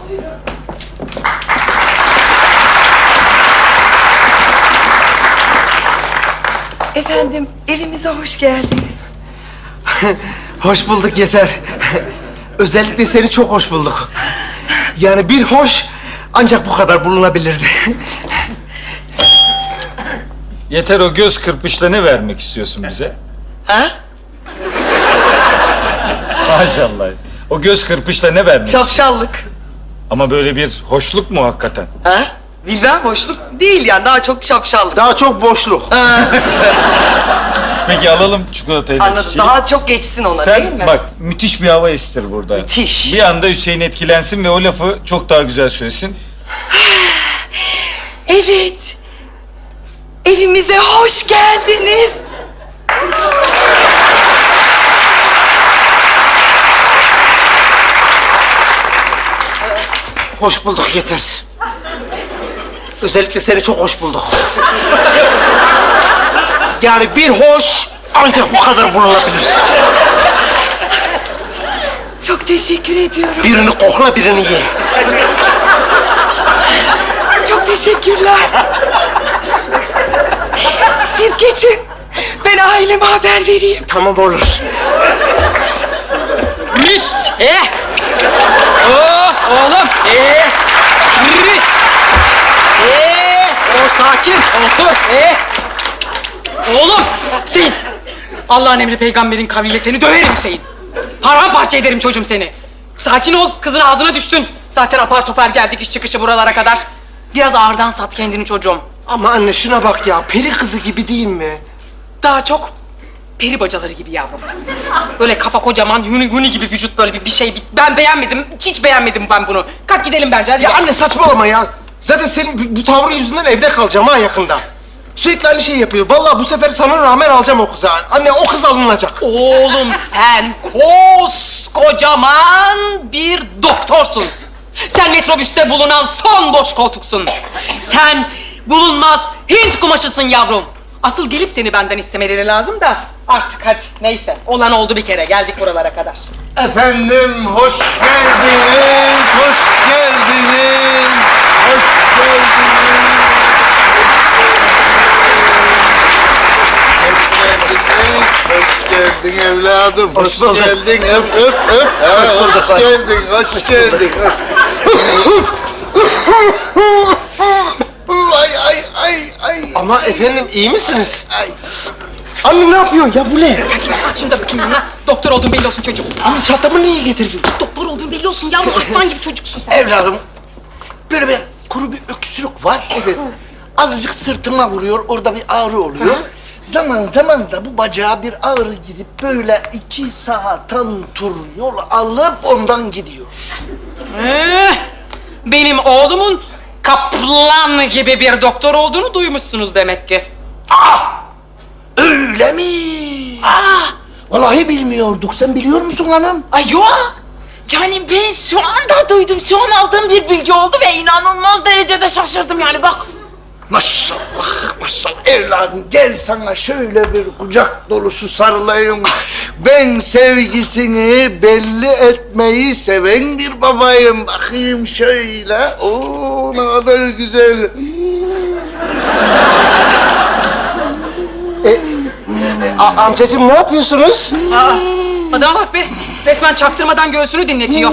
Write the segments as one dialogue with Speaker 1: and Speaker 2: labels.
Speaker 1: Efendim, evimize hoş geldiniz.
Speaker 2: Hoş bulduk Yeter. Özellikle seni çok hoş bulduk. Yani bir hoş ancak bu kadar bulunabilirdi.
Speaker 3: Yeter, o göz kırpışla ne vermek istiyorsun bize?
Speaker 1: Ha?
Speaker 3: Maşallah. O göz kırpışla ne vermek istiyorsun?
Speaker 1: Şapşallık.
Speaker 3: Ama böyle bir hoşluk mu hakikaten?
Speaker 1: Ha? Bilmem, hoşluk değil yani, daha çok şapşallık.
Speaker 2: Daha çok boşluk.
Speaker 3: Peki alalım çikolatayı.
Speaker 1: Anladım, daha çok geçsin ona değil mi?
Speaker 3: Sen bak, müthiş bir hava estir burada.
Speaker 1: Müthiş.
Speaker 3: Bir anda Hüseyin etkilensin ve o lafı çok daha güzel söylesin.
Speaker 1: Evet. Evimize hoş geldiniz.
Speaker 2: Hoş bulduk Yeter. Özellikle seni çok hoş bulduk. Yani bir hoş ancak bu kadar bulunabilir.
Speaker 1: Çok teşekkür ediyorum.
Speaker 2: Birini kokla, birini ye.
Speaker 1: Çok teşekkürler. Siz geçin. Ben aileme haber vereyim.
Speaker 2: Tamam, olur.
Speaker 4: Mişt! Oh, oğlum! Yürü! O sakin, otur! Oğlum! Hüseyin! Allah'ın emri peygamberin kavliyle seni döverim Hüseyin. Paramparça ederim çocuğum seni. Sakin ol, kızın ağzına düştün. Zaten apar topar geldik iş çıkışı buralara kadar. Biraz ağırdan sat kendini çocuğum.
Speaker 2: Ama anne şuna bak ya, peri kızı gibi değil mi?
Speaker 4: Daha çok peri bacaları gibi yavrum. Böyle kafa kocaman, huni gibi vücut böyle bir şey. Ben beğenmedim, hiç beğenmedim ben bunu. Kalk gidelim bence, hadi.
Speaker 2: Ya anne saçmalama ya. Zaten senin bu tavrın yüzünden evde kalacağım ha yakında. Sürekli aynı şeyi yapıyor. Vallahi bu sefer sana rağmen alacağım o kızı. Anne o kız alınacak.
Speaker 4: Oğlum sen koskocaman bir doktorsun. Sen metrobüste bulunan son boş koltuksun. Sen bulunmaz Hint kumaşısın yavrum. Asıl gelip seni benden istemeleri lazım da artık hadi neyse. Olan oldu bir kere, geldik buralara kadar.
Speaker 2: Efendim hoş geldiniz, hoş geldiniz, hoş geldiniz.
Speaker 5: Hoş geldin evladım.
Speaker 2: Hoş bulduk.
Speaker 5: Geldin, öp öp öp.
Speaker 2: Hoş bulduk.
Speaker 5: Hoş geldin, hoş geldin. Ay ay ay ay.
Speaker 2: Ama efendim iyi misiniz? Anne ne yapıyorsun ya, bu ne?
Speaker 4: Sen kime kaç şunu da bakayım yanına. Doktor olduğun belli olsun çocuğum.
Speaker 2: Anne çantamı niye getirdin?
Speaker 4: Doktor olduğun belli olsun yavrum. Aslan gibi çocuksun sen.
Speaker 5: Evladım, böyle bir kuru bir öksürük var. Evet. Azıcık sırtıma vuruyor, orada bir ağrı oluyor. Zaman zaman da bu bacağa bir ağrı girip böyle 2 saatten tur yol alıp ondan gidiyor.
Speaker 4: Benim oğlumun kaplan gibi bir doktor olduğunu duymuşsunuz demek ki.
Speaker 5: Öyle mi? Vallahi bilmiyorduk. Sen biliyor musun hanım?
Speaker 6: Ay yok. Yani ben şu anda duydum. Şu an aldığım bir bilgi oldu ve inanılmaz derecede şaşırdım yani bak.
Speaker 5: Maşallah, maşallah. Evladım gel sana şöyle bir kucak dolusu sarılayım. Ben sevgisini belli etmeyi seven bir babayım. Bakayım şöyle. Oo ne kadar güzel.
Speaker 2: Amcacığım ne yapıyorsunuz?
Speaker 4: Adama bak be. Resmen çaktırmadan göğsünü dinletiyor.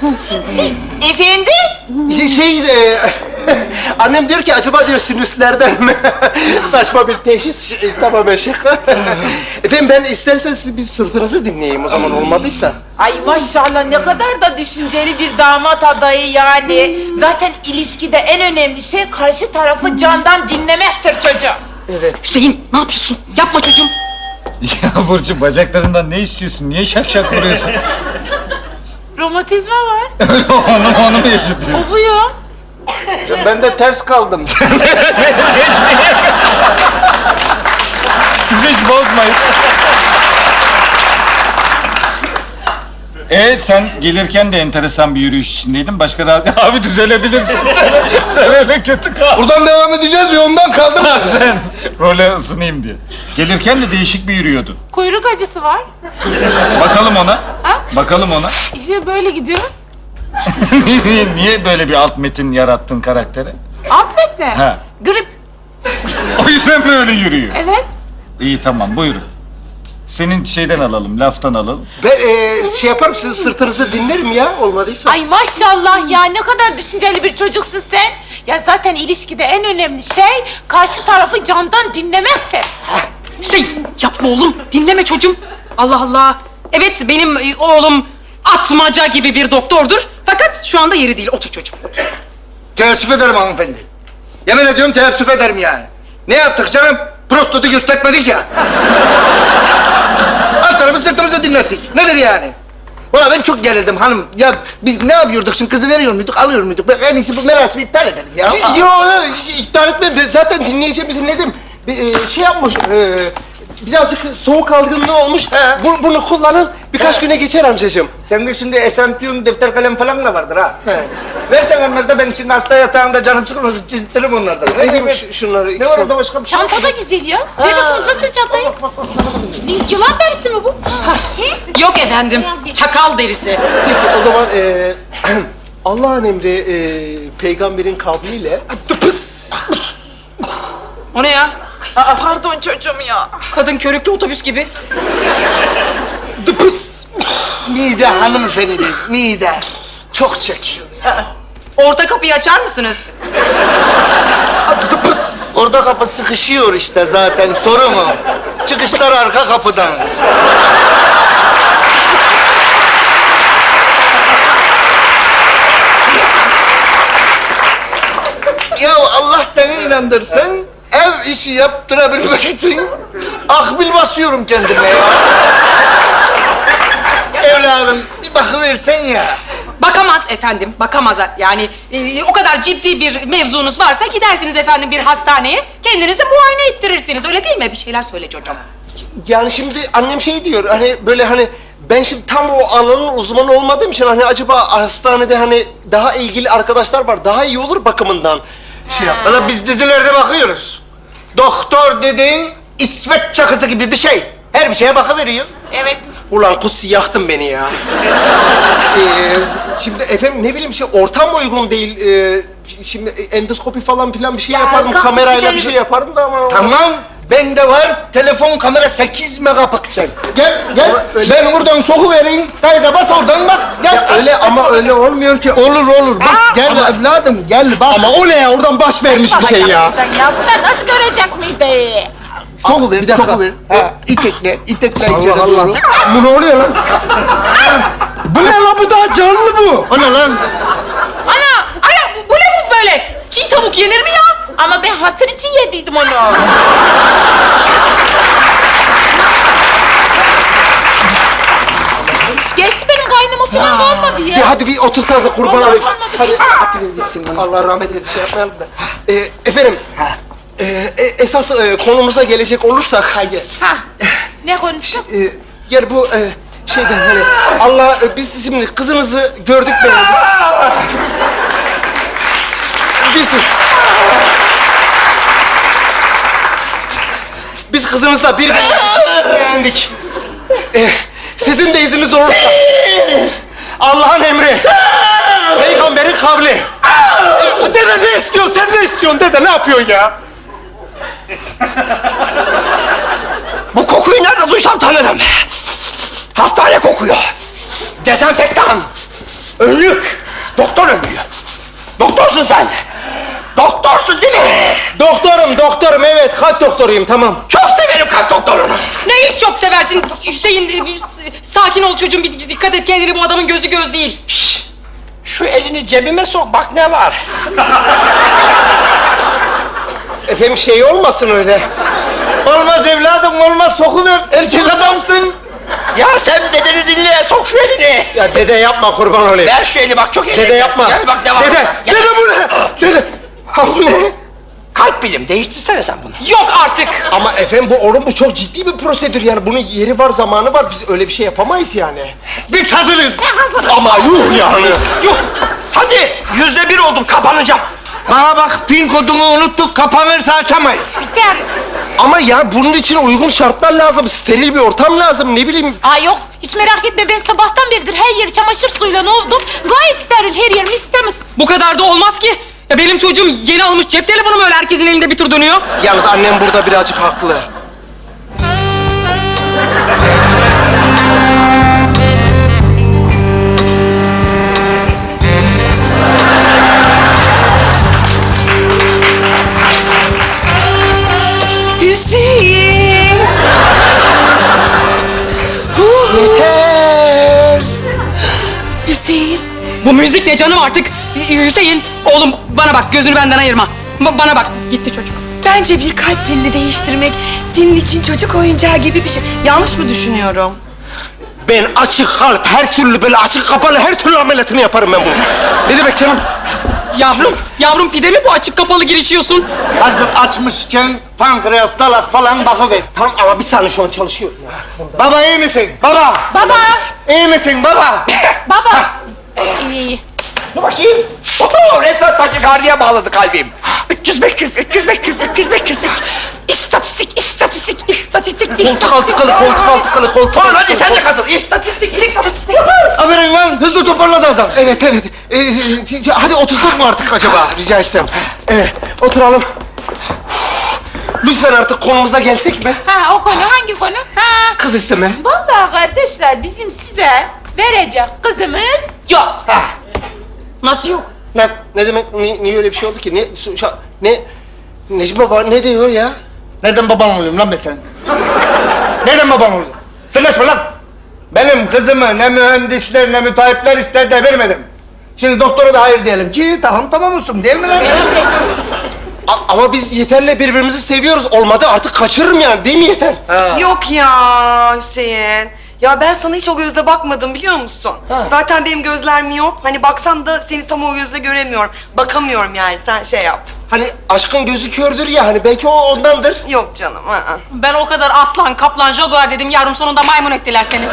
Speaker 6: Efendim?
Speaker 2: Annem diyor ki acaba diyor sinüslerden mi? Saçma bir teşhis, tamamen şaka. Efendim ben isterseniz siz bir sırtınızı dinleyeyim o zaman, olmadıysa.
Speaker 6: Ay maşallah ne kadar da düşünceli bir damat adayı yani. Zaten ilişkide en önemli şey karşı tarafı candan dinlemektir çocuğum.
Speaker 4: Hüseyin ne yapıyorsun? Yapma çocuğum.
Speaker 3: Ya Burcu, bacaklarından ne istiyorsun? Niye şak şak vuruyorsun?
Speaker 6: Romatizma var.
Speaker 3: onu mu yaşatıyorsun?
Speaker 6: Ufuyor.
Speaker 5: Ben de ters kaldım.
Speaker 3: Siz hiç bozmayın. Sen gelirken de enteresan bir yürüyüş içindeydin. Başka rahat... Abi düzelebilirsin sen öyle kötü kal.
Speaker 5: Buradan devam edeceğiz, yoldan kaldım.
Speaker 3: Sen role ısınayım diye. Gelirken de değişik bir yürüyordun.
Speaker 6: Kuyruk acısı var.
Speaker 3: Bakalım ona. Bakalım ona.
Speaker 6: İşte böyle gidiyor.
Speaker 3: Niye böyle bir alt metin yarattın karaktere?
Speaker 6: Ahmet ne?
Speaker 3: Ha.
Speaker 6: Grip.
Speaker 3: O yüzden mi öyle yürüyor?
Speaker 6: Evet.
Speaker 3: İyi tamam buyurun. Senin şeyden alalım, laftan alalım.
Speaker 2: Ben şey yaparım, sizin sırtınızı dinlerim ya, olmadıysa.
Speaker 6: Ay maşallah ya, ne kadar düşünceli bir çocuksun sen. Ya zaten ilişkide en önemli şey karşı tarafı candan dinlemektir.
Speaker 4: Hüseyin yapma oğlum. Dinleme çocuğum. Allah Allah. Evet benim oğlum atmaca gibi bir doktordur. Fakat şu anda yeri değil. Otur çocuğum.
Speaker 5: Teessüf ederim hanımefendi. Yemin ediyorum teessüf ederim yani. Ne yaptık canım? Prostatı göstermedik ya. Alt tarafı sırtımızı dinlettik. Nedir yani? Valla ben çok gerildim hanım. Ya biz ne yapıyorduk şimdi? Kızı veriyor muyduk, alıyor muyduk? Ben en iyisi bu merasimi iptal edelim ya.
Speaker 2: Yo, iptal etme. Ben zaten dinleyeceğimi dinledim. Şey yapmış, birazcık soğuk algınlığı olmuş.
Speaker 5: He.
Speaker 2: Bunu kullanın, birkaç güne geçer amcacığım.
Speaker 5: Senin şimdi eşantiyon, defter, kalem falan da vardır ha. Versen onları da ben şimdi hasta yatağında canım sıkılmasın çizdiririm onlardan. Ne
Speaker 2: Vereyim
Speaker 5: diyeyim?
Speaker 2: şunları.
Speaker 5: Ne
Speaker 2: ikisini.
Speaker 5: var orada başka bir şey?
Speaker 6: Çanta da güzel ya. Ver bakayım, uzasın çantayı. Yılan derisi mi bu?
Speaker 4: Yok efendim. Çakal derisi.
Speaker 2: Peki o zaman Allah'ın emri peygamberin kavliyle
Speaker 4: O ne ya?
Speaker 6: Aa, pardon çocuğum ya.
Speaker 4: Kadın körüklü otobüs gibi.
Speaker 5: Mide hanımefendi, mide. Çok çekiyor.
Speaker 4: Orta kapıyı açar mısınız?
Speaker 5: Orada kapı sıkışıyor işte zaten, sorun o. Çıkışlar arka kapıdan. Ya Allah seni inandırsın, ev işi yaptırabilmek için akbil basıyorum kendime ya. Evladım bir bakıversen ya.
Speaker 4: Bakamaz efendim, bakamaz. Yani o kadar ciddi bir mevzunuz varsa gidersiniz efendim bir hastaneye. Kendinizi muayene ettirirsiniz. Öyle değil mi? Bir şeyler söyle çocuğum.
Speaker 2: yani şimdi annem şey diyor, hani böyle hani ben şimdi tam o alanın uzmanı olmadığım için hani acaba hastanede hani daha ilgili arkadaşlar var, daha iyi olur bakımından. Şey yap.
Speaker 5: Valla biz dizilerde bakıyoruz. Doktor dediğin İsveç çakısı gibi bir şey. Her bir şeye bakıveriyor.
Speaker 6: Evet.
Speaker 2: Ulan Kutsi yaktın beni ya. Şimdi efendim ne bileyim şey ortam uygun değil. Şimdi endoskopi falan filan bir şey
Speaker 6: Ya,
Speaker 2: yapardım.
Speaker 6: kalk
Speaker 2: Kamerayla bir
Speaker 6: gidelim.
Speaker 2: şey yapardım da ama...
Speaker 5: Tamam, bende var telefon kamera 8 megapiksel. Gel, gel. Ben buradan sokuvereyim. Kayda bas oradan bak. Gel.
Speaker 2: Öyle ama öyle olmuyor ki.
Speaker 5: Olur olur. Bak gel evladım gel bak.
Speaker 2: Ama o ne ya? Oradan baş vermiş bir şey ya.
Speaker 6: Ya bunlar nasıl görecek mideyi?
Speaker 5: Sokuver,
Speaker 2: Bir dakika.
Speaker 5: sokuver. Ha, itekle, itekle içeri
Speaker 2: Allah Allah.
Speaker 5: doğru.
Speaker 2: Bu ne oluyor lan? Bu ne lan? Bu daha canlı bu.
Speaker 5: O ne lan?
Speaker 4: Ana! Ana! Bu ne bu böyle? Çiğ tavuk yenir mi ya?
Speaker 6: Ama ben hatır için yediydim onu. Geçti benim kaynıma falan kalmadı ya.
Speaker 2: Ya hadi bir otursanıza kurban
Speaker 6: Allah
Speaker 2: olayım.
Speaker 6: Allah.
Speaker 2: Hadi hadi gitsin. Allah rahmet eylesin. Şey yapmayalım da. Efendim. Esas konumuza gelecek olursak. Haydi.
Speaker 6: Ha. Ne konuştuk?
Speaker 2: Yani bu şeyden hani Allah biz şimdi kızınızı gördük beğendik. Biz kızınızla bir beğendik. Sizin de izniniz olursa Allah'ın emri, peygamberin kavli. Dede ne istiyorsun? Sen ne istiyorsun dede? Ne yapıyorsun ya?
Speaker 7: Bu kokuyu nerede duysam tanırım. Hastane kokuyor. Dezenfektan. Önlük. Doktor önlüğü. Doktorsun sen. Doktorsun değil mi?
Speaker 2: Doktorum evet. Kalp doktoruyum tamam.
Speaker 7: Çok severim kalp doktorunu.
Speaker 4: Neyi çok seversin Hüseyin? Sakin ol çocuğum, bir dikkat et kendine. Bu adamın gözü göz değil.
Speaker 7: Şu elini cebime sok bak ne var.
Speaker 2: Efendim şey olmasın öyle.
Speaker 5: Olmaz evladım olmaz sokuver. Erkek adamsın.
Speaker 7: Ya sen dedeni dinle sok şu elini.
Speaker 2: Ya dede yapma kurban olayım.
Speaker 7: Ver şu eli bak çok eğlenceli.
Speaker 2: Dede yapma.
Speaker 7: Gel bak ne var.
Speaker 2: Dede,
Speaker 7: Gel.
Speaker 2: dede bu ne? Dede. Ha bu ne?
Speaker 7: Kalp bilim değiştirsene sen bunu.
Speaker 4: Yok artık.
Speaker 2: Ama efendim bu çok ciddi bir prosedür yani. Bunun yeri var, zamanı var. Biz öyle bir şey yapamayız yani.
Speaker 5: Biz hazırız.
Speaker 2: Ama yuh yani.
Speaker 7: Yok. Hadi %1 oldum kapanacağım.
Speaker 5: Bana bak, pin kodunu unuttuk, kapanırsa açamayız.
Speaker 6: İsteriz.
Speaker 2: Ama ya bunun için uygun şartlar lazım. Steril bir ortam lazım. Ne bileyim.
Speaker 6: Aa yok, hiç merak etme, ben sabahtan beridir her yeri çamaşır suyuyla ovdum. Gayet steril, her yerim istemiz.
Speaker 4: Bu kadar da olmaz ki. Ya benim çocuğum yeni almış cep telefonumu öyle herkesin elinde bir tur dönüyor.
Speaker 2: Yalnız annem burada birazcık haklı.
Speaker 1: Hüseyin. Hüseyin.
Speaker 4: Bu müzik ne canım artık? Hüseyin, oğlum bana bak, gözünü benden ayırma. Bana bak, gitti çocuk.
Speaker 1: Bence bir kalp pilini değiştirmek senin için çocuk oyuncağı gibi bir şey. Yanlış mı düşünüyorum?
Speaker 2: Ben açık kalp, her türlü böyle açık kapalı her türlü ameliyatını yaparım ben bunu. Ne demek canım?
Speaker 4: Yavrum pide mi bu açık kapalı girişiyorsun?
Speaker 5: Hazır açmışken pankreas, dalak falan bakıver.
Speaker 2: Tamam ama bir saniye şu an çalışıyorum.
Speaker 5: Baba iyi misin? Baba!
Speaker 6: Baba,
Speaker 5: İyi misin baba?
Speaker 6: baba. İyi.
Speaker 7: Dur bakayım. Oho, resmen takikardiye bağladı kalbim. 300, 500, 300, 500, 300, 500. İstatistik, istatistik, istatistik,
Speaker 2: Koltuk altı kalı, koltuk altı kalı, koltuk
Speaker 7: Tamam
Speaker 2: altı
Speaker 7: hadi
Speaker 2: kalı.
Speaker 7: sen de katıl. İstatistik, istatistik.
Speaker 5: Aferin lan, hızlı toparladı adam.
Speaker 2: Evet. Hadi otursak mı artık acaba rica etsem? Evet, oturalım. Lütfen artık konumuza gelsek mi?
Speaker 6: Ha, o konu hangi konu? Ha.
Speaker 2: Kız isteme.
Speaker 6: Vallahi kardeşler, bizim size verecek kızımız yok.
Speaker 4: Nasıl yok?
Speaker 2: Ne demek? Niye öyle bir şey oldu ki? Necmi Baba ne diyor ya?
Speaker 5: Nereden baban oluyorum lan ben senin? Nereden baban oluyorum? Sen kaçma lan! Benim kızımı ne mühendisler ne müteahhitler istedi de vermedim. Şimdi doktora da hayır diyelim ki tamam olsun değil mi lan?
Speaker 2: Ama biz Yeter'le birbirimizi seviyoruz. Olmadı artık kaçırırım yani değil mi Yeter?
Speaker 1: Yok ya Hüseyin. Ya ben sana hiç o gözle bakmadım biliyor musun? Zaten benim gözler miyop. Hani baksam da seni tam o gözle göremiyorum. Bakamıyorum yani, sen şey yap.
Speaker 2: Hani aşkın gözü kördür ya hani belki o ondandır.
Speaker 1: Yok canım. Aa.
Speaker 4: Ben o kadar aslan, kaplan, jaguar dedim yavrum, sonunda maymun ettiler seni.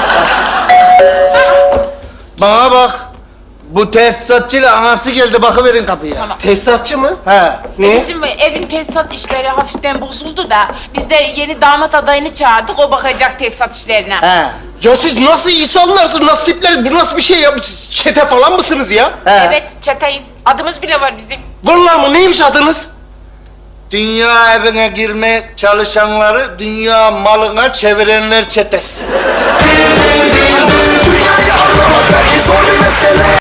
Speaker 5: Bana bak. Bu tesisatçıyla anası geldi, bakıverin kapıya.
Speaker 2: Tesisatçı mı?
Speaker 5: He.
Speaker 2: Ne?
Speaker 6: Bizim evin tesisat işleri hafiften bozuldu da biz de yeni damat adayını çağırdık, o bakacak tesisat işlerine.
Speaker 5: He.
Speaker 2: Ya siz nasıl insanlarsınız, nasıl tipler, bu nasıl bir şey ya? Siz çete falan mısınız ya?
Speaker 5: He.
Speaker 6: Evet, çeteyiz. Adımız bile var bizim.
Speaker 2: Vallahi mı? Neymiş adınız?
Speaker 5: Dünya evine girmeye çalışanları dünya malına çevirenler çetesi.
Speaker 8: Dünyayı anlamak belki zor bir mesele.